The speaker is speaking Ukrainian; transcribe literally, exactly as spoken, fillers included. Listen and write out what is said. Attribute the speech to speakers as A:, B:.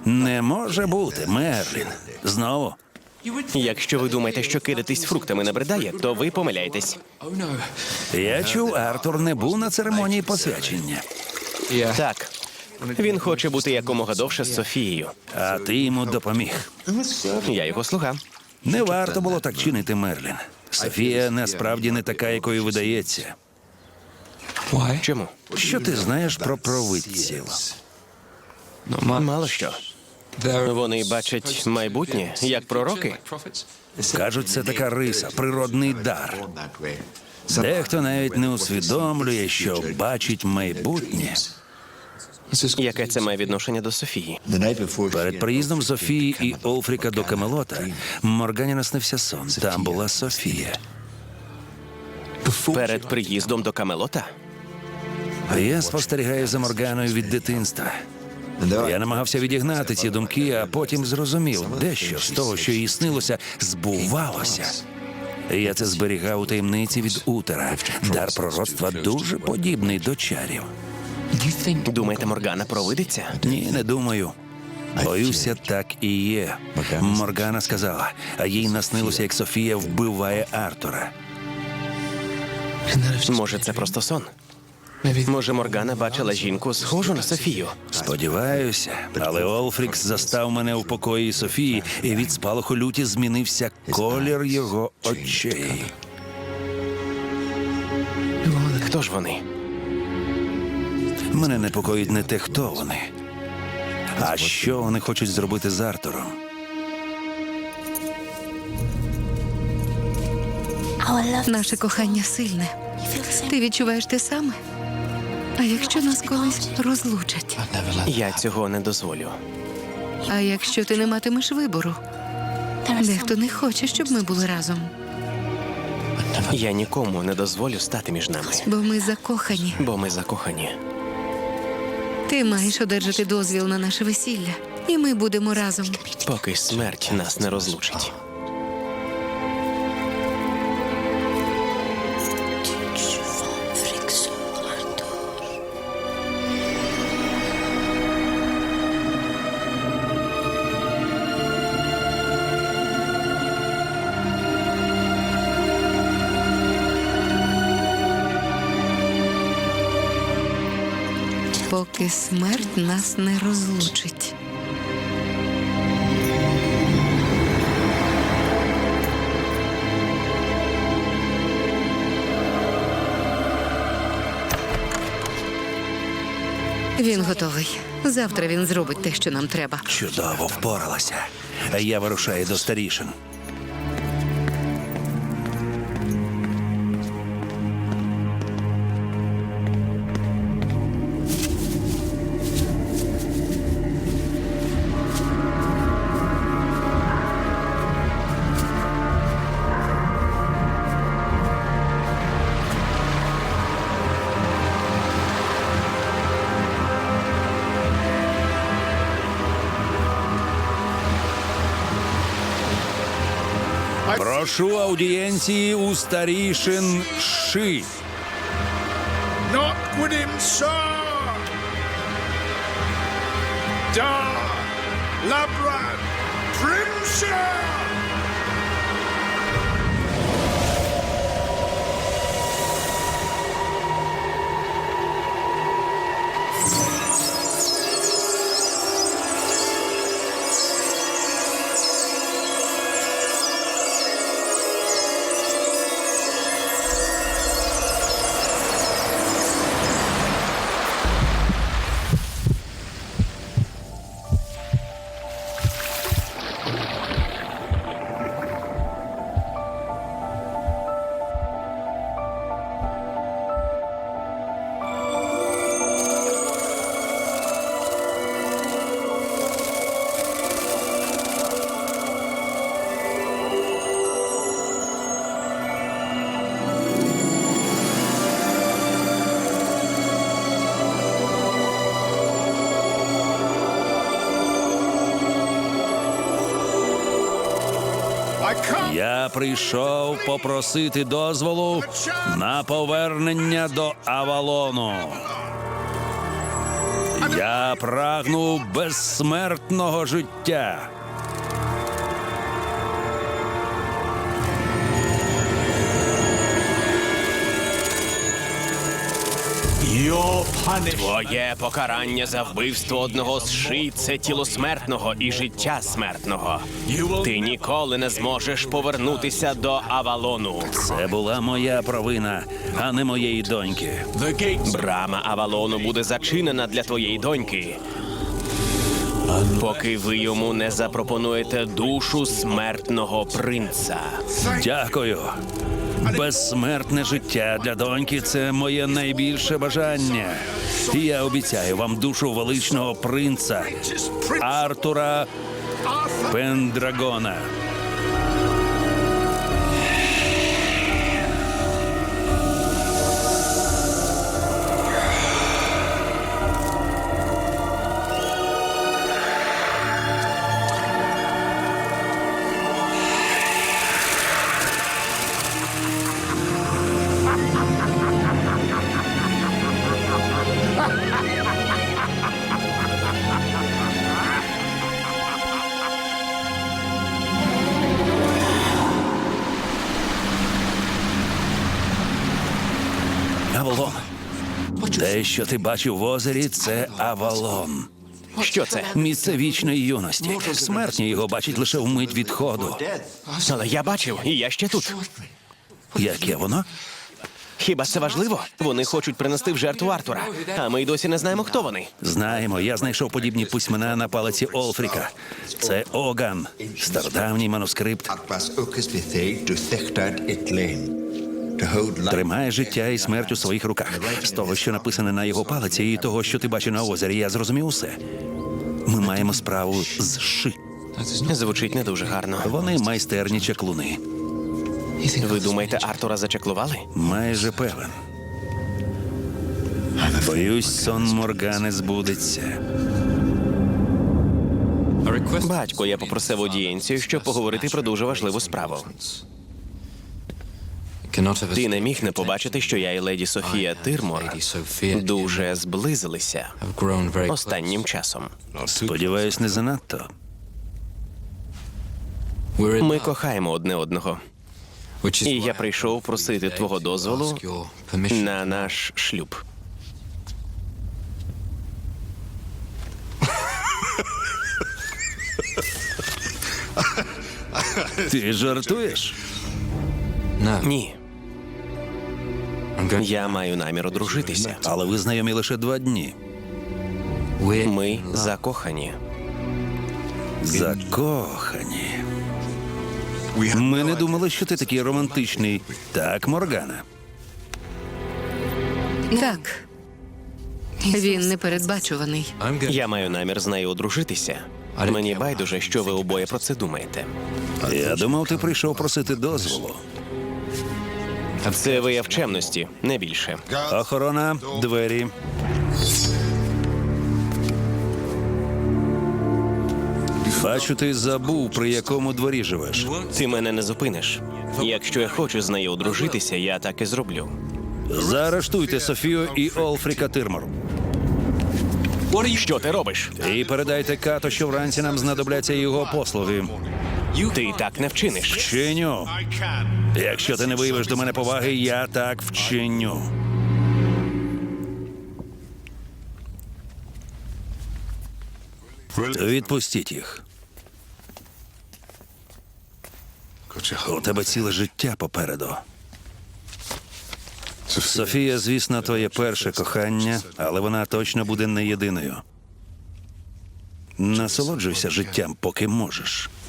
A: Не може бути, Мерлін. Знову?
B: Якщо ви думаєте, що кидатись фруктами набридає, то ви помиляєтесь.
A: Я чув, Артур не був на церемонії посвячення.
B: Так. Він хоче бути якомога довше з Софією.
A: А ти йому допоміг.
B: Я його слуга.
A: Не варто було так чинити, Мерлін. Софія насправді не така, якою видається.
B: Чому?
A: Що ти знаєш про провидців?
B: Мало що. Вони бачать майбутнє, як пророки.
A: Кажуть, це така риса, природний дар. Дехто навіть не усвідомлює, що бачить майбутнє.
B: Яке це має відношення до Софії?
A: Перед приїздом Софії і Олфріка до Камелота Моргані наснився сон. Там була Софія.
B: Перед приїздом до Камелота?
A: Я спостерігаю за Морганою від дитинства. Я намагався відігнати ці думки, а потім зрозумів, дещо з того, що їй снилося, збувалося. Я це зберігав у таємниці від Утера. Дар пророцтва дуже подібний до чарів.
B: Думаєте, Моргана провидиться?
A: Ні, не думаю. Боюся, так і є. Моргана сказала, а їй наснилося, як Софія вбиває Артура.
B: Може, це просто сон? Може, Моргана бачила жінку, схожу на Софію?
A: Сподіваюся, але Олфрікс застав мене у покої Софії, і від спалаху люті змінився колір його очей.
B: Хто ж вони?
A: Мене непокоїть не те, хто вони, а що вони хочуть зробити з Артуром.
C: Наше кохання сильне. Ти відчуваєш те саме? А якщо нас колись розлучать?
B: Я цього не дозволю.
C: А якщо ти не матимеш вибору? Дехто не хоче, щоб ми були разом.
B: Я нікому не дозволю стати між нами,
C: Бо ми закохані.
B: бо ми закохані.
C: Ти маєш одержати дозвіл на наше весілля. І ми будемо разом.
B: Поки смерть нас не розлучить.
C: Поки смерть нас не розлучить. Він готовий. Завтра він зробить те, що нам треба.
A: Чудово впоралася. А я вирушаю до старішин. Прошу аудієнції у старішин Ши.
D: Not with him, sir! Dar Labran Primshire!
A: Я прийшов попросити дозволу на повернення до Авалону. Я прагну безсмертного життя.
B: Твоє покарання за вбивство одного з ши – це тіло смертного і життя смертного. Ти ніколи не зможеш повернутися до Авалону.
A: Це була моя провина, а не моєї доньки.
B: Брама Авалону буде зачинена для твоєї доньки, поки ви йому не запропонуєте душу смертного принца.
A: Дякую. Безсмертне життя для доньки – це моє найбільше бажання. І я обіцяю вам душу величного принца Артура Пендрагона. Авалон. Те, що ти бачив в озері, це Авалон.
B: Що це?
A: Місце вічної юності. Смертні його бачать лише вмить відходу.
B: Але я бачив, і я ще тут.
A: Яке воно?
B: Хіба це важливо? Вони хочуть принести в жертву Артура, а ми й досі не знаємо, хто вони.
A: Знаємо, я знайшов подібні письмена на палиці Олфріка. Це Оган, стародавній манускрипт. Тримає життя і смерть у своїх руках. З того, що написане на його палиці, і того, що ти бачив на озері, я зрозумів усе. Ми маємо справу з ши.
B: Звучить не дуже гарно.
A: Вони майстерні чаклуни.
B: Ви думаєте, Артура зачаклували?
A: Майже певен. Боюсь, сон Моргани збудеться.
B: Батько, я попросив аудієнцію, щоб поговорити про дуже важливу справу. Ти не міг не побачити, що я і леді Софія Тирмор дуже зблизилися останнім часом.
A: Сподіваюсь, не занадто.
B: Ми кохаємо одне одного. І я прийшов просити твого дозволу на наш шлюб.
A: Ти жартуєш?
B: Ні. Я маю намір одружитися.
A: Але ви знайомі лише два дні.
B: Ми закохані.
A: Закохані. Ми не думали, що ти такий романтичний. Так, Моргана?
C: Так. Він непередбачуваний.
B: Я маю намір з нею одружитися. Мені байдуже, що ви обоє про це думаєте.
A: Я думав, ти прийшов просити дозволу.
B: Це вияв чемності, не більше.
A: Охорона, двері. Бачу, ти забув, при якому дворі живеш.
B: Ти мене не зупиниш. Якщо я хочу з нею одружитися, я так і зроблю.
A: Заарештуйте Софію і Олфріка Тирмор.
B: Що ти робиш?
A: І передайте Като, що вранці нам знадобляться його послуги.
B: Ти так не вчиниш.
A: Вчиню. Якщо ти не виявиш до мене поваги, я так вчиню. Відпустіть їх. У тебе ціле життя попереду. Софія, звісно, твоє перше кохання, але вона точно буде не єдиною. Насолоджуйся життям, поки можеш.